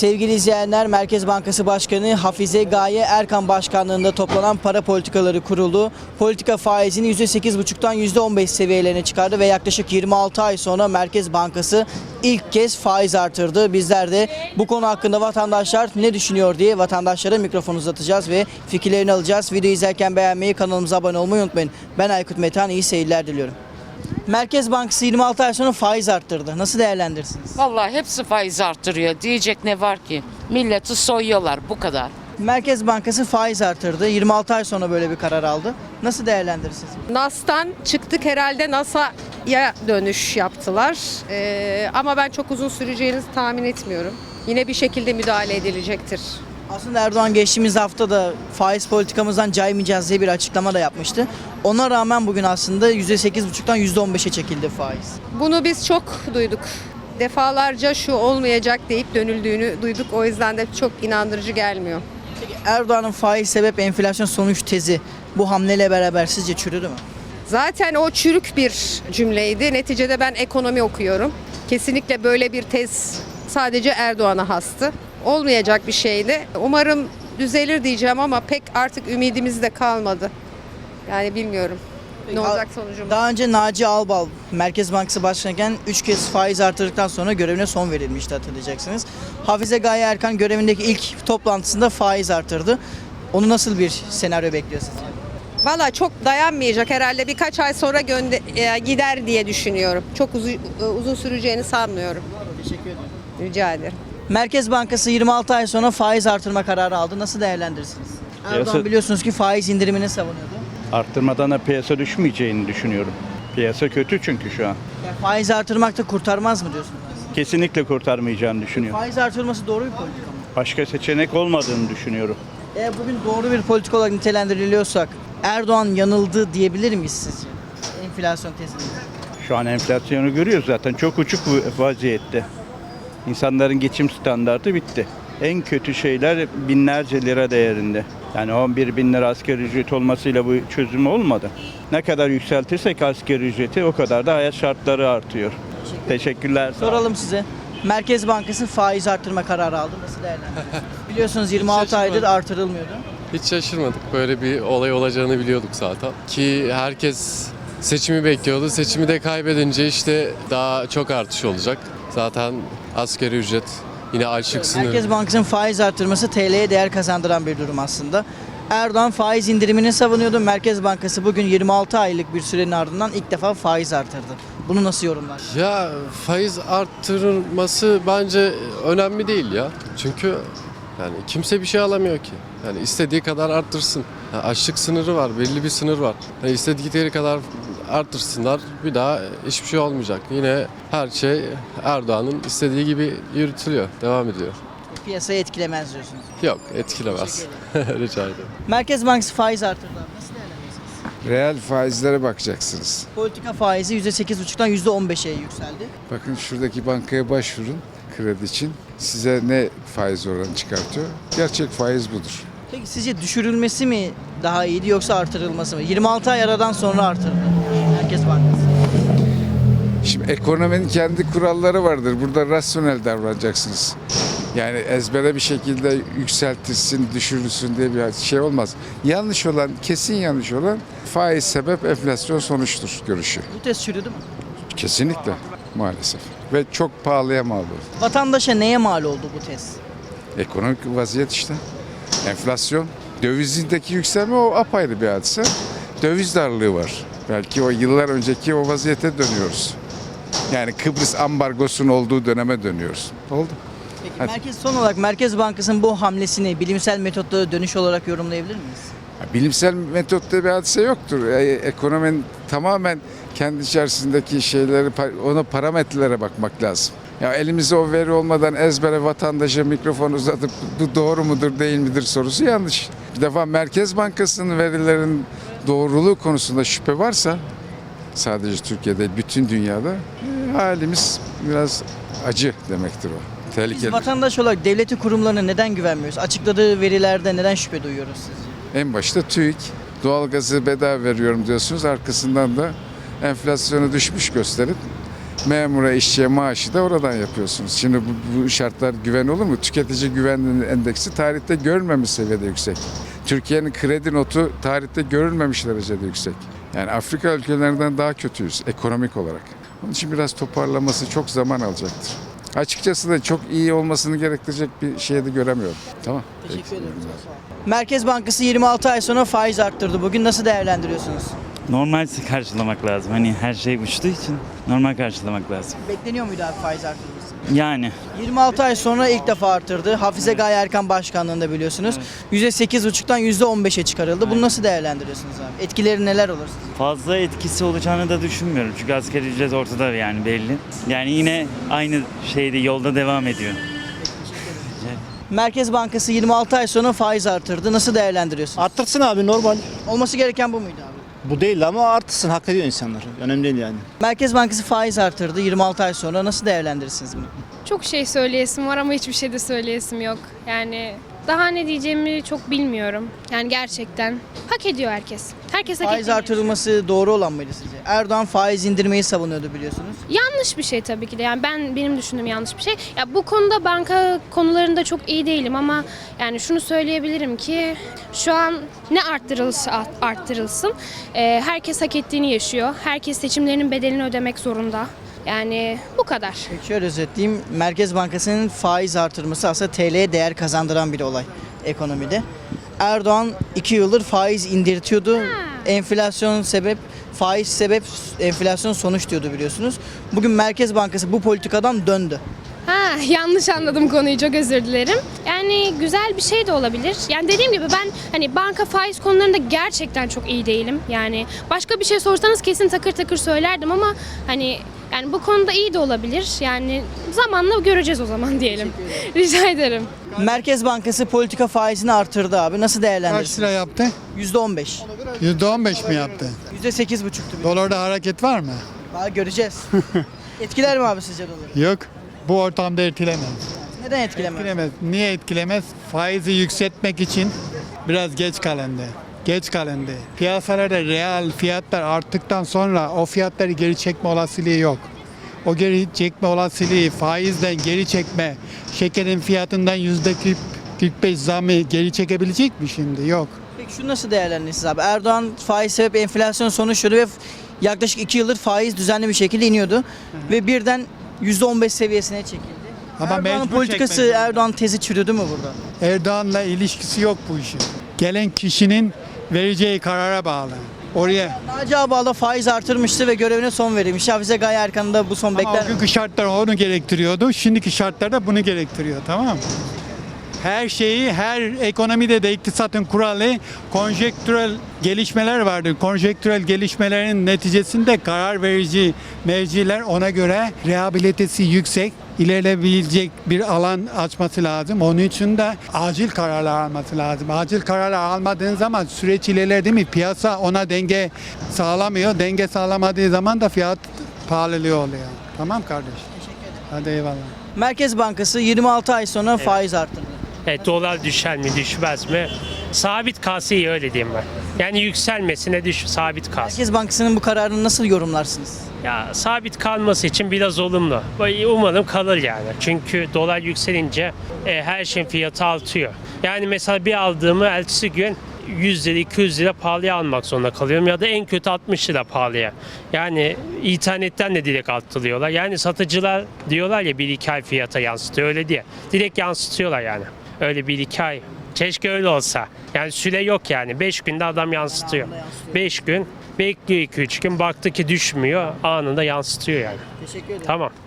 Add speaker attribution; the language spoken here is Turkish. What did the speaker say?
Speaker 1: Sevgili izleyenler, Merkez Bankası Başkanı Hafize Gaye Erkan Başkanlığında toplanan Para Politikaları Kurulu politika faizini %8,5'tan %15 seviyelerine çıkardı ve yaklaşık 26 ay sonra Merkez Bankası ilk kez faiz artırdı. Bizler de bu konu hakkında vatandaşlar ne düşünüyor diye vatandaşlara mikrofon uzatacağız ve fikirlerini alacağız. Videoyu izlerken beğenmeyi, kanalımıza abone olmayı unutmayın. Ben Aykut Metehan, iyi seyirler diliyorum. Merkez Bankası 26 ay sonra faiz arttırdı. Nasıl değerlendirirsiniz?
Speaker 2: Vallahi hepsi faiz artırıyor. Diyecek ne var ki? Milleti soyuyorlar, bu kadar.
Speaker 1: Merkez Bankası faiz artırdı. 26 ay sonra böyle bir karar aldı. Nasıl değerlendirirsiniz?
Speaker 3: NAS'tan çıktık, herhalde NASA'ya dönüş yaptılar. Ama ben çok uzun süreceğini tahmin etmiyorum. Yine bir şekilde müdahale edilecektir.
Speaker 1: Aslında Erdoğan geçtiğimiz hafta da faiz politikamızdan caymayacağız diye bir açıklama da yapmıştı. Ona rağmen bugün aslında %8,5'tan %15'e çekildi faiz.
Speaker 3: Bunu biz çok duyduk. Defalarca şu olmayacak deyip dönüldüğünü duyduk. O yüzden de çok inandırıcı gelmiyor.
Speaker 1: Peki Erdoğan'ın faiz sebep enflasyon sonuç tezi bu hamleyle beraber sizce çürüdü mü?
Speaker 3: Zaten o çürük bir cümleydi. Neticede ben ekonomi okuyorum. Kesinlikle böyle bir tez sadece Erdoğan'a hastı. Olmayacak bir şeydi. Umarım düzelir diyeceğim ama pek artık ümidimiz de kalmadı. Yani bilmiyorum
Speaker 1: Peki,
Speaker 3: ne olacak sonucumuz.
Speaker 1: Daha önce Naci Ağbal Merkez Bankası Başkanı'yken 3 kez faiz artırdıktan sonra görevine son verilmişti, hatırlayacaksınız. Hafize Gaye Erkan görevindeki ilk toplantısında faiz artırdı. Onu nasıl bir senaryo bekliyor sizce?
Speaker 3: Valla çok dayanmayacak herhalde, birkaç ay sonra gider diye düşünüyorum. Çok uzun süreceğini sanmıyorum.
Speaker 1: Teşekkür ederim.
Speaker 3: Rica ederim.
Speaker 1: Merkez Bankası 26 ay sonra faiz artırma kararı aldı. Nasıl değerlendirirsiniz? Erdoğan biliyorsunuz ki faiz indirimini savunuyordu.
Speaker 4: Arttırmadan da piyasa düşmeyeceğini düşünüyorum. Piyasa kötü çünkü şu an.
Speaker 1: Yani faiz artırmak da kurtarmaz mı diyorsunuz?
Speaker 4: Kesinlikle kurtarmayacağını düşünüyorum.
Speaker 1: Faiz artırılması doğru bir politika mı?
Speaker 4: Başka seçenek olmadığını düşünüyorum.
Speaker 1: Eğer bugün doğru bir politika olarak nitelendiriliyorsak Erdoğan yanıldı diyebilir miyiz sizce? Enflasyon tezinde.
Speaker 4: Şu an enflasyonu görüyoruz zaten. Çok uçuk vaziyette. İnsanların geçim standartı bitti. En kötü şeyler binlerce lira değerinde. Yani 11 bin lira asgari ücret olmasıyla bu çözüm olmadı. Ne kadar yükseltirsek asgari ücreti o kadar da hayat şartları artıyor. Teşekkürler.
Speaker 1: Soralım size. Merkez Bankası faiz artırma kararı aldı. Nasıl değerlendiriyorsunuz? Biliyorsunuz 26 aydır artırılmıyordu.
Speaker 5: Hiç şaşırmadık. Böyle bir olay olacağını biliyorduk zaten. Ki herkes seçimi bekliyordu. Seçimi de kaybedince işte daha çok artış olacak. Zaten asgari ücret yine açlık sınırı.
Speaker 1: Merkez Bankası'nın faiz artırması TL'ye değer kazandıran bir durum aslında. Erdoğan faiz indirimini savunuyordu. Merkez Bankası bugün 26 aylık bir sürenin ardından ilk defa faiz artırdı. Bunu nasıl yorumlar?
Speaker 5: Ya faiz arttırılması bence önemli değil ya. Çünkü yani kimse bir şey alamıyor ki. Yani istediği kadar arttırsın. Yani açlık sınırı var, belli bir sınır var. Yani istedikleri kadar arttırsınlar, bir daha hiçbir şey olmayacak. Yine her şey Erdoğan'ın istediği gibi yürütülüyor, devam ediyor.
Speaker 1: Piyasayı etkilemez diyorsunuz.
Speaker 5: Yok, etkilemez. Rica ederim.
Speaker 1: Merkez Bankası faiz artırdı. Nasıl değerlendiriyorsunuz?
Speaker 6: Reel faizlere bakacaksınız.
Speaker 1: Politika faizi %8,5'tan %15'e yükseldi.
Speaker 6: Bakın şuradaki bankaya başvurun kredi için. Size ne faiz oranı çıkartıyor? Gerçek faiz budur.
Speaker 1: Peki sizce düşürülmesi mi daha iyiydi yoksa artırılması mı? 26 ay aradan sonra artırdı Merkez Bankası.
Speaker 6: Şimdi ekonominin kendi kuralları vardır. Burada rasyonel davranacaksınız. Yani ezbere bir şekilde yükseltilsin, düşürülsün diye bir şey olmaz. Yanlış olan, kesin yanlış olan faiz sebep enflasyon sonuçtur görüşü.
Speaker 1: Bu test çürüdü mü?
Speaker 6: Kesinlikle maalesef. Ve çok pahalıya mal oldu.
Speaker 1: Vatandaşa neye mal oldu bu test?
Speaker 6: Ekonomik vaziyet işte. Enflasyon. Dövizindeki yükselme o apayrı bir hadise. Döviz darlığı var. Belki o yıllar önceki o vaziyete dönüyoruz. Yani Kıbrıs ambargosunun olduğu döneme dönüyoruz. Oldu.
Speaker 1: Peki son olarak Merkez Bankası'nın bu hamlesini bilimsel metotlara dönüş olarak yorumlayabilir miyiz?
Speaker 6: Bilimsel metotta bir hadise yoktur. Ekonominin tamamen kendi içerisindeki şeyleri, ona parametrelere bakmak lazım. Ya elimizde o veri olmadan ezbere vatandaşa mikrofon uzatıp bu doğru mudur değil midir sorusu yanlış. Bir defa Merkez Bankası'nın verilerin doğruluğu konusunda şüphe varsa sadece Türkiye'de, bütün dünyada halimiz biraz acı demektir o.
Speaker 1: Biz
Speaker 6: Tehlikeli.
Speaker 1: vatandaş olarak devletin kurumlarına neden güvenmiyoruz? Açıkladığı verilerde neden şüphe duyuyoruz sizce?
Speaker 6: En başta TÜİK, doğalgazı bedava veriyorum diyorsunuz. Arkasından da enflasyonu düşmüş gösterip Memura, işçiye maaşı da oradan yapıyorsunuz. Şimdi bu şartlar güven olur mu? Tüketici güven endeksi tarihte görülmemiş seviyede yüksek. Türkiye'nin kredi notu tarihte görülmemiş derecede yüksek. Yani Afrika ülkelerinden daha kötüyüz ekonomik olarak. Onun için biraz toparlaması çok zaman alacaktır. Açıkçası da çok iyi olmasını gerektirecek bir şey de göremiyorum. Tamam.
Speaker 1: Teşekkür ederim. Merkez Bankası 26 ay sonra faiz arttırdı. Bugün nasıl değerlendiriyorsunuz?
Speaker 7: Normal karşılamak lazım. Hani her şey uçtuğu için normal karşılamak lazım.
Speaker 1: Bekleniyor muydu abi faiz arttırması?
Speaker 7: Yani
Speaker 1: 26 ay sonra ilk defa arttırdı. Hafize Gaye Erkan başkanlığında biliyorsunuz. %8,5'tan %15'e çıkarıldı. Bunu nasıl değerlendiriyorsunuz abi? Etkileri neler olur sizce?
Speaker 7: fazla etkisi olacağını da düşünmüyorum. Çünkü asgari ücret ortada yani belli. Yani yine aynı şeyde yolda devam ediyor.
Speaker 1: Merkez Bankası 26 ay sonra faiz arttırdı. Nasıl değerlendiriyorsunuz?
Speaker 8: Arttırsın abi, normal.
Speaker 1: Olması gereken bu muydu abi?
Speaker 8: Bu değil ama arttırsın, hak ediyor insanlar. Önemli değil yani.
Speaker 1: Merkez Bankası faiz arttırdı 26 ay sonra. Nasıl değerlendirirsiniz bunu?
Speaker 9: Çok şey söyleyesim var ama hiçbir şey de söyleyesim yok. Yani daha ne diyeceğimi çok bilmiyorum. Yani gerçekten hak ediyor herkes. Herkes hak
Speaker 1: Faiz
Speaker 9: ediyor.
Speaker 1: artırılması doğru olan mıydı sizce? Erdoğan faiz indirmeyi savunuyordu biliyorsunuz.
Speaker 9: Yanlış bir şey tabii ki de. Yani benim düşündüğüm yanlış bir şey. Ya bu konuda banka konularında çok iyi değilim ama yani şunu söyleyebilirim ki şu an ne arttırılsa arttırılsın. Herkes hak ettiğini yaşıyor. Herkes seçimlerinin bedelini ödemek zorunda. Yani bu kadar.
Speaker 1: Peki şöyle özetleyeyim. Merkez Bankası'nın faiz artırması aslında TL'ye değer kazandıran bir olay ekonomide. Erdoğan 2 yıldır faiz indirtiyordu. Enflasyon sebep, faiz sebep, enflasyon sonuç diyordu biliyorsunuz. Bugün Merkez Bankası bu politikadan döndü.
Speaker 9: Yanlış anladım konuyu, çok özür dilerim. Yani güzel bir şey de olabilir. Yani dediğim gibi ben hani banka faiz konularında gerçekten çok iyi değilim. Yani başka bir şey sorsanız kesin takır takır söylerdim ama hani yani bu konuda iyi de olabilir. Yani zamanla göreceğiz o zaman diyelim. Rica ederim.
Speaker 1: Merkez Bankası politika faizini artırdı abi. Nasıl
Speaker 10: Kaç
Speaker 1: değerlendirirsiniz?
Speaker 10: lira yaptı?
Speaker 1: %15.
Speaker 10: %15 mi yaptı?
Speaker 1: %8,5'tu.
Speaker 10: Dolarda hareket var mı?
Speaker 1: Daha göreceğiz. Etkiler mi abi sizce doları?
Speaker 10: Yok. Bu ortamda etkilemez.
Speaker 1: Neden etkilemez?
Speaker 10: Etkilemez. Niye etkilemez? Faizi yükseltmek için biraz geç kalındı. Geç kalındı. Piyasalarda reel fiyatlar arttıktan sonra o fiyatları geri çekme olasılığı yok. O geri çekme olasılığı, faizden geri çekme, şekerin fiyatından %45 zamı geri çekebilecek mi şimdi? Yok.
Speaker 1: Peki şunu nasıl değerlendirirsiniz abi? Erdoğan faiz sebep enflasyon sonuçladı ve yaklaşık 2 yıldır faiz düzenli bir şekilde iniyordu. Ve birden %15 seviyesine çekildi.
Speaker 10: Ama
Speaker 1: Erdoğan'ın
Speaker 10: mecbur
Speaker 1: politikası,
Speaker 10: çekmek zorunda.
Speaker 1: Erdoğan tezi çürüdü mü burada?
Speaker 10: Erdoğan'la ilişkisi yok bu işin. Gelen kişinin vereceği karara bağlı. Oraya
Speaker 1: Naci Ağbal faiz artırmıştı ve görevine son verilmiş. Hafize Gaye Erkan'ı da bu son
Speaker 10: ama
Speaker 1: bekler.
Speaker 10: o günkü şartlar onu gerektiriyordu. Şimdiki şartlar da bunu gerektiriyor, tamam mı? Her şeyi, her ekonomide de iktisatın kuralı konjektürel gelişmeler vardır. Konjektürel gelişmelerin neticesinde karar verici merciler ona göre rehabilitesi yüksek, ilerleyebilecek bir alan açması lazım. Onun için de acil kararlar alması lazım. Acil kararlar almadığın zaman süreç ilerler değil mi? Piyasa ona denge sağlamıyor. Denge sağlamadığı zaman da fiyat pahalılığı oluyor. Tamam kardeş. Teşekkür ederim. Hadi eyvallah.
Speaker 1: Merkez Bankası 26 ay sonra faiz arttırdı.
Speaker 11: Dolar düşer mi düşmez mi? Sabit kalsa iyi, öyle diyeyim ben. Yani yükselmesine sabit kalsın.
Speaker 1: Merkez Bankası'nın bu kararını nasıl yorumlarsınız?
Speaker 11: Ya sabit kalması için biraz olumlu. Umarım kalır yani. Çünkü dolar yükselince her şeyin fiyatı artıyor. Yani mesela bir aldığımı ertesi gün 100 lira 200 lira pahalıya almak zorunda kalıyorum ya da en kötü 60 lira pahalıya. Yani internetten de direkt arttırıyorlar. Yani satıcılar diyorlar ya 1-2 ay fiyata yansıtıyor, öyle diye. Direkt yansıtıyorlar yani. Öyle 1-2 ay. Keşke öyle olsa. Yani süre yok yani. 5 günde adam yansıtıyor. 5 gün bekliyor, 2-3 gün baktı ki düşmüyor, anında yansıtıyor yani.
Speaker 1: Teşekkür ederim.
Speaker 11: Tamam.